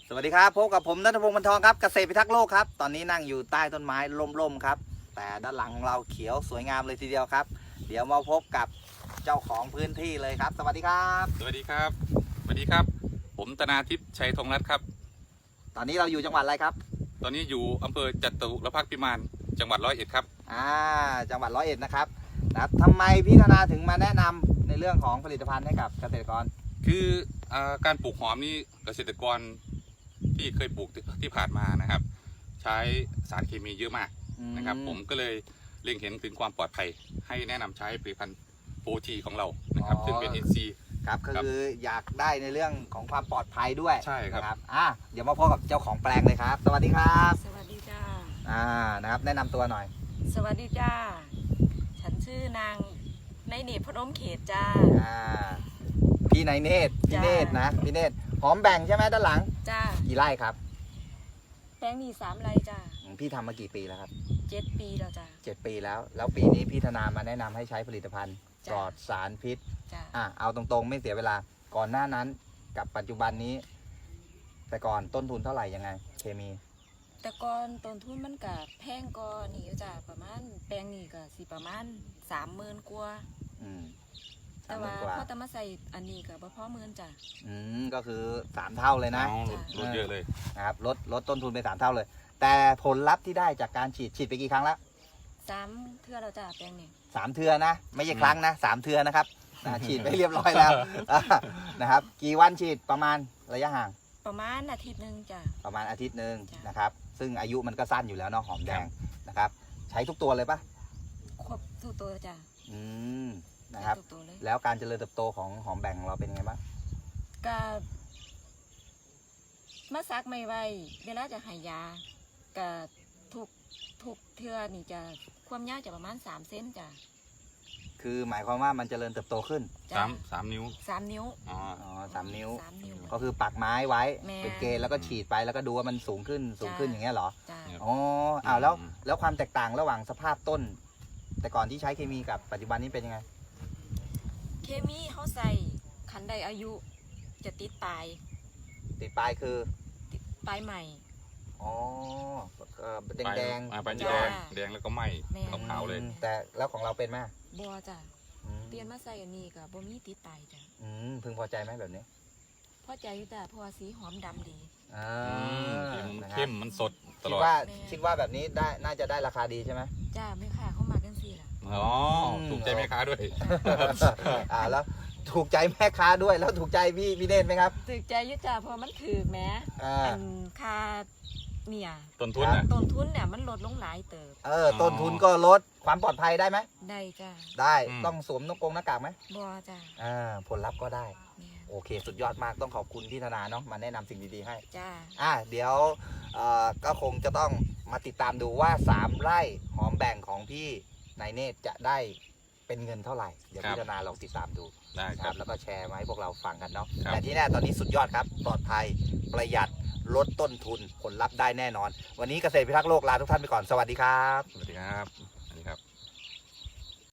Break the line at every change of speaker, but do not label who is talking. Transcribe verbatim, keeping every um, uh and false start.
สวัสดีครับพบกับผมณัฐพงศ์ บรรทองครับเกษตรพิทักษ์โลกครับตอนนี้นั่งอยู่ใต้ต้นไม้ร่มๆครับแต่ด้านหลังของเราเขียวสวยงามเลยทีเดียวครับเดี๋ยวมาพบกับเจ้าของพื้นที่เลยครับสวัสดีครับ
สวัสดีครับสวัสดีครับผมธนาทิพย์ชัยธงรัตน์ครับ
ตอนนี้เราอยู่จังหวัดอะไรครับ
ตอนนี้อยู่อำเภอจตุรพักษ์พิมานจังหวัดร้อยเอ็ดครับ
อ่าจังหวัดร้อยเอ็ดนะครับนะครับทำไมพี่ธนาถึงมาแนะนำในเรื่องของผลิตภัณฑ์ให้กับเกษตรกร
คืออาการปลูกหอมนี่เกษตรกรที่เคยปลูกที่ผ่านมานะครับใช้สารเคมีเยอะมากนะครับผมก็เลยเล็งเห็นถึงความปลอดภัยให้แนะนำใช้ผลิตภัณฑ์โฟทีของเรานะครับซึ่งเป็น เอ็น ซี
ครับก็คืออยากได้ในเรื่องของความปลอดภัยด้วย
ใช่ครับ
นะอ่ะเดี๋ยวมาพบกับเจ้าของแปลงเลยครับสวัสดีครับ
สวัสดีจ้า
อ่านะครับแนะนำตัวหน่อย
สวัสดีจ้าฉันชื่อนางในเนตรพนมเขตจ้า
อ่าพี่นายเนตรพี่เนตรนะพี่เนตรหอมแบ่งใช่ไหมด้านหลัง
จ้า
กี่ไร่ครับ
แปลงมีสามไร่จ้า
พี่ทำมากี่ปีแล้วครับ
เจ็ดปีแล้วจ้า
เจ็ดปีแล้วแล้วปีนี้พี่ธนามาแนะนำให้ใช้ผลิตภัณฑ์ปลอดสารพิษ
จ้า
อ่ะเอาตรงๆไม่เสียเวลาก่อนหน้านั้นกับปัจจุบันนี้ แต่ก่อนต้นทุนเท่าไหร่ยังไงเคมี
แต่ก่อนต้นทุนมันกับแพงก่อนนี่อยู่จ้าประมาณแปลงนี่ก็สิประมาณสามหมื่นกว่า
อืม
แต่ว่าพอตะมาใส่อันนี้ก็บ่พอหมื่นจ้า
อืมก็คือสามเท่าเลยนะ
ลดเยอะเลย
นะครับลดลดต้นทุนไปสามเท่าเลยแต่ผลลัพธ์ที่ได้จากการฉีดฉีดไปกี่ครั้งแล้ว
สามเทื่อแล้วจ้าแปลงนี่
สามเทือนะไม่ใช่ครั้งนะสามเทือนะครับฉีดไปเรียบร้อยแล้วนะครับกี่วันฉีดประมาณระยะห่าง
ประมาณอาทิตย์หนึ่งจ้า
ประมาณอาทิตย์หนึ่งนะครับซึ่งอายุมันก็สั้นอยู่แล้วเนาะหอมแดงนะครับใช้ทุกตัวเลยปะ
ครบทุกตัวจ้า
อืมนะครับแล้วการเจริญเติบโตของหอมแบ่งของเราเป็นไงบ้าง
ก็มาซักไม่ไวเวลาจะให้ยาก็ทุกทุกเทื่อนี่จะความยาวจะประมาณสามเซนจ้ะ
คือหมายความว่ามันเจริญเติบโตขึ้น
สามสามนิ้ว
สามนิ้ว
อ๋อสามนิ้ว
สามนิ้ว
ก็คือปักไม้ไว้เป็นเกณฑ์แล้วก็ฉีดไปแล้วก็ดูว่ามันสูงขึ้นสูงขึ้นอย่างเงี้ยเหรออ๋ออ้าวแล้วแล้วความแตกต่างระหว่างสภาพต้น แต่ก่อนที่ใช้เคมีกับปัจจุบันนี้เป็นยังไง
เคมีเขาใส่ขันใดอายุจะติดปลาย
ติดปลายคือ
ปลายใหม่
อ๋อแดงแดง
ปลายแดงแดงแล้วก็ไหม้ขาวๆเลย
แต่แล้วของเราเป็นไหม
บัวจ้ะเปลี่ยนมาใส่อันนี้กับบ่มีติดปลายจ้ะ
อืมพึงพอใจไหมแบบนี้
พอใจแต่พอสีหอมดำดี
อ่า
เข้มมันสดตลอด
คิดว่าคิดว่าแบบนี้ได้น่าจะได้ราคาดีใช่ไหม
จ้าไม่ค่ะเข้ามากันสิล่ะ
อ๋อถูกใจแม่ค้าด้วย
อ่าแล้วถูกใจแม่ค้าด้วยแล้วถูกใจพี่พี่เนตรไหมครับ
ถูกใจยุจ่าเพราะมันถือแม้อันค่าเนี่ย
ต้นทุนนะ
ต้นทุนเนี่ยมันลดลงหลายเติบ
เออต้นทุนก็ลดความปลอดภัยได้ไหม
ได้จ้า
ได้ต้องสวมนกกงหน้ากากไหม
บัวจ้า
อ่าผลลัพธ์ก็ได้โอเคสุดยอดมากต้องขอบคุณพี่ธนาเนาะมาแนะนำสิ่งดีๆให้
จ้า
อ่าเดี๋ยวเอ่อก็คงจะต้องมาติดตามดูว่าสามไร่หอมแบ่งของพี่นายเนตรจะได้เป็นเงินเท่าไหร่เดี๋ยวพี่ธนาลองติดตามดู
นะครับ
แล้วก็แชร์มาให้พวกเราฟังกันเนาะแต่ที่แน่ตอนนี้สุดยอดครับปลอดภัยประหยัดลดต้นทุนผลลัพธ์ได้แน่นอนวันนี้เกษตรพิทักษ์โลกลาทุกท่านไปก่อนสวัสดีครับ
สวัสดีครับ